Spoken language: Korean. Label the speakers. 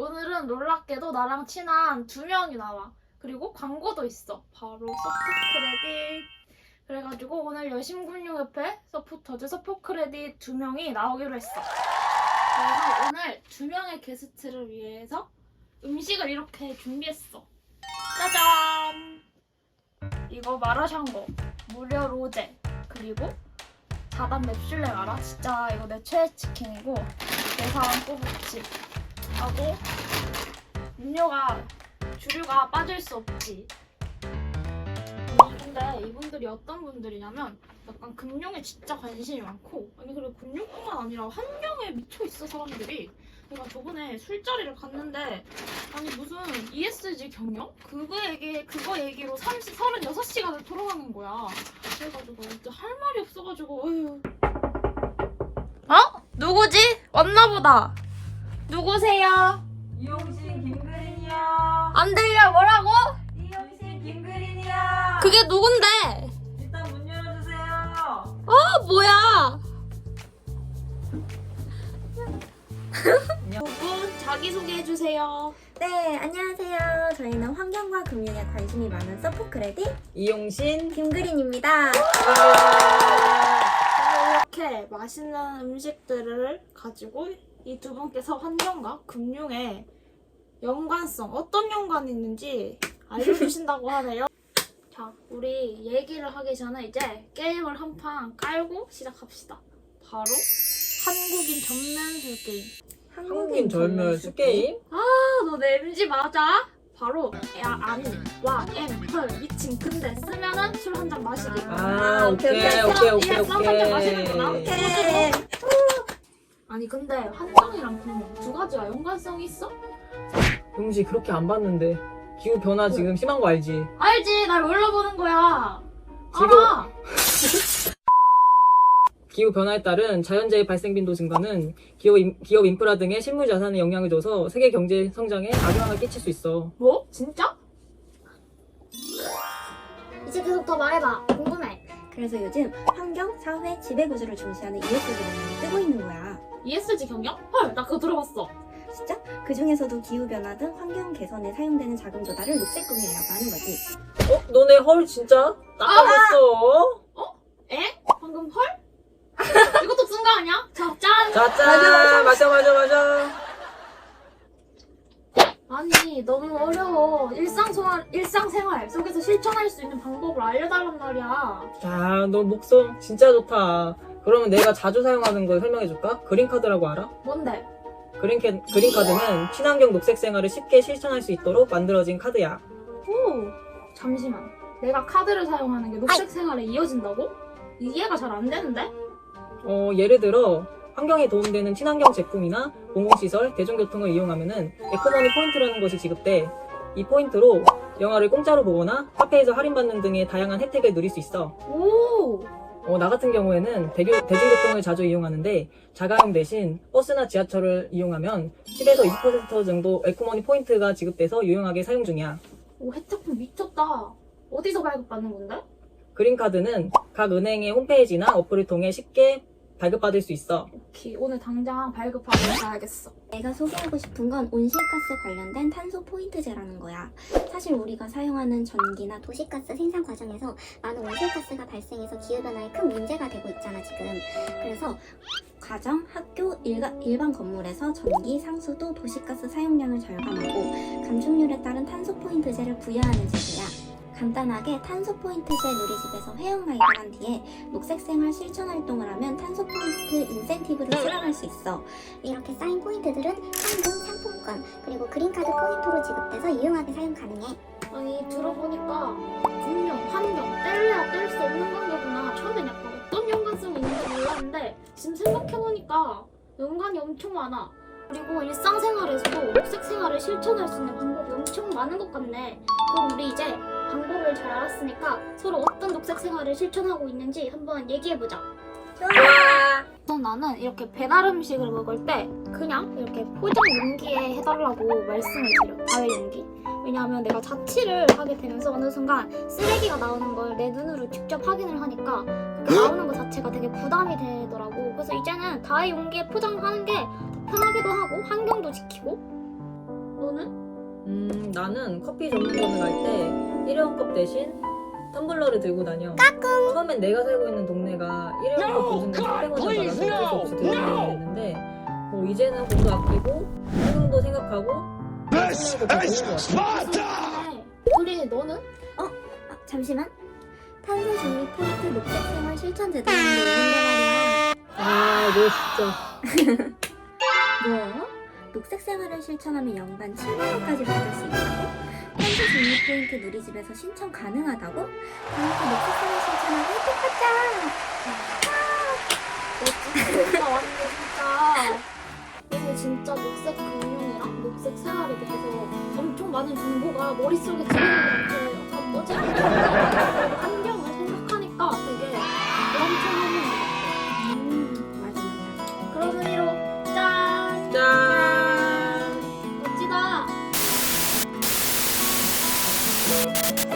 Speaker 1: 오늘은 놀랍게도 나랑 친한 2명이 나와. 그리고 광고도 있어. 바로 서포크레딧. 그래가지고 오늘 여심금융협회 서포터즈 서포크레딧 2명이 나오기로 했어. 그래서 오늘 2명의 게스트를 위해서 음식을 이렇게 준비했어. 짜잔! 이거 마라샹궈, 무려 로제, 그리고 4단 맵슐랭 알아? 진짜 이거 내 최애 치킨이고 내사랑 꼬북칩 하고 음료가 주류가 빠질 수 없지. 근데 이분들이 어떤 분들이냐면 약간 금융에 진짜 관심이 많고, 아니 그리고 금융뿐만 아니라 환경에 미쳐있어 사람들이. 내가 저번에 술자리를 갔는데 아니 무슨 ESG 경영? 그거 얘기로 36시간을 토론하는 거야. 그래가지고 진짜 할 말이 없어가지고 어휴. 어? 누구지? 왔나보다. 누구세요?
Speaker 2: 이용신 김그린이요.
Speaker 1: 안 들려. 뭐라고?
Speaker 2: 이용신 김그린이요.
Speaker 1: 그게 누군데?
Speaker 2: 일단 문 열어주세요.
Speaker 1: 어 뭐야? 누구? 자기소개해주세요.
Speaker 3: 네, 안녕하세요. 저희는 환경과 금융에 관심이 많은 서포크레딧
Speaker 2: 이용신
Speaker 3: 김그린입니다.
Speaker 1: 이렇게 맛있는 음식들을 가지고 이 두 분께서 환경과 금융에 연관성, 어떤 연관이 있는지 알려주신다고 하네요. 자, 우리 얘기를 하기 전에 이제 게임을 한 판 깔고 시작합시다. 바로 한국인 전면술 게임.
Speaker 2: 한국인 절멸 수게임.
Speaker 1: 아, 너 내 MG 맞아? 바로 야, 아니, 와, 헐, 미친. 근데 쓰면은 술 한 잔 마시기.
Speaker 2: 아, 오케이.
Speaker 1: 이해했어? 한 잔 마시는구나.
Speaker 3: 오케이.
Speaker 1: 아니 근데 환경이랑 금융 두 가지가 연관성이 있어?
Speaker 2: 용시 그렇게 안 봤는데 기후 변화 지금 심한 거 알지?
Speaker 1: 알지, 날 몰라보는 거야.
Speaker 2: 지금-
Speaker 1: 알아.
Speaker 2: 기후 변화에 따른 자연재해 발생 빈도 증가는 기업 인프라 등의 실물 자산에 영향을 줘서 세계 경제 성장에 악영향을 끼칠 수 있어.
Speaker 1: 뭐? 진짜?
Speaker 3: 이제 계속 더 말해봐. 궁금해. 그래서 요즘 환경, 사회, 지배구조를 중시하는 ESG가 뜨고 있는 거야.
Speaker 1: ESG 경영? 헐, 나 그거 들어봤어.
Speaker 3: 진짜? 그 중에서도 기후변화 등 환경 개선에 사용되는 자금 조달을 녹색금융이라고 하는 거지.
Speaker 2: 너네 헐 진짜? 나 까먹었어.
Speaker 1: 에? 방금 헐? 이것도 쓴 거 아니야? 자, 짠!
Speaker 2: 자, 짠! 맞아.
Speaker 1: 아니, 너무 어려워. 일상생활 속에서 실천할 수 있는 방법을 알려달란 말이야.
Speaker 2: 야, 너 목성 진짜 좋다. 그러면 내가 자주 사용하는 걸 설명해줄까? 그린카드라고 알아?
Speaker 1: 뭔데?
Speaker 2: 그린카드는 친환경 녹색 생활을 쉽게 실천할 수 있도록 만들어진 카드야.
Speaker 1: 오, 잠시만. 내가 카드를 사용하는 게 녹색 생활에 이어진다고? 이해가 잘 안 되는데?
Speaker 2: 예를 들어 환경에 도움되는 친환경 제품이나 공공시설, 대중교통을 이용하면은 에코머니 포인트라는 것이 지급돼. 이 포인트로 영화를 공짜로 보거나 카페에서 할인받는 등의 다양한 혜택을 누릴 수 있어.
Speaker 1: 오!
Speaker 2: 나 같은 경우에는 대중교통을 자주 이용하는데 자가용 대신 버스나 지하철을 이용하면 10에서 20% 정도 에코머니 포인트가 지급돼서 유용하게 사용 중이야.
Speaker 1: 오, 혜택품 미쳤다. 어디서 발급받는 건데?
Speaker 2: 그린카드는 각 은행의 홈페이지나 어플을 통해 쉽게 발급받을 수 있어.
Speaker 1: 오케이, 오늘 당장 발급하러 가야겠어.
Speaker 3: 내가 소개하고 싶은 건 온실가스 관련된 탄소 포인트제라는 거야. 사실 우리가 사용하는 전기나 도시가스 생산 과정에서 많은 온실가스가 발생해서 기후변화에 큰 문제가 되고 있잖아 지금. 그래서 가정, 학교, 일반 건물에서 전기, 상수도, 도시가스 사용량을 절감하고 감축률에 따른 탄소 포인트제를 부여하는 제도야. 간단하게 탄소 포인트제 누리집에서 회원가입을 한 뒤에 녹색 생활 실천 활동을 하면 탄소 포인트 인센티브를 수령할 수 있어. 이렇게 쌓인 포인트들은 현금, 상품권, 그리고 그린카드 포인트로 지급돼서 유용하게 사용 가능해.
Speaker 1: 아니, 들어보니까 분명, 환경, 뗄래야 뗄 수 없는 관계구나. 처음엔 약간 어떤 연관성이 있는지 몰랐는데 지금 생각해보니까 연관이 엄청 많아. 그리고 일상생활에서도 녹색 생활을 실천할 수 있는 방법이 엄청 많은 것 같네. 그럼 우리 이제 방법을 잘 알았으니까 서로 어떤 녹색 생활을 실천하고 있는지 한번 얘기해보자. 우선 나는 이렇게 배달 음식을 먹을 때 그냥 이렇게 포장 용기에 해달라고 말씀을 드려. 다회 용기. 왜냐하면 내가 자취를 하게 되면서 어느 순간 쓰레기가 나오는 걸 내 눈으로 직접 확인을 하니까 그렇게 나오는 것 자체가 되게 부담이 되더라고. 그래서 이제는 다회 용기에 포장하는 게 더 편하기도 하고 환경도 지키고 너는?
Speaker 2: 나는 커피 전문점을 갈 때 일회용컵 대신 텀블러를 들고 다녀. 처음엔 내가 살고 있는 동네가 일회용컵 보증금 300원을 받아서 어쩔 수 없이 들고 다녔는데 이제는 돈도 아끼고 환경도 생각하고 생각도 더 좋은 것 같아.
Speaker 1: 우리 너는?
Speaker 3: 잠시만. 탄소 중립 포인트 녹색 생활 실천 제도라는 게 있는데 말이야.
Speaker 2: 너 진짜.
Speaker 3: 뭐? 녹색 생활을 실천하면 연간 7만원까지 받을 수 있다고? 탄소 중립 포인트 누리집에서 신청 가능하다고? 다음부터 녹색 생활 실천하고 혜택 받자!
Speaker 1: 나 완전 진짜 너무 진짜 녹색 금융이랑 녹색 생활에 대해서 엄청 많은 정보가 머릿속에 들어오는 것 같아. 약간 뭐지? 환경을 생각하니까 되게 엄청 하는 것 같아.
Speaker 3: 맞아 맞아.
Speaker 1: 그런 의미로 짠!
Speaker 2: 짠.
Speaker 1: 멋지다!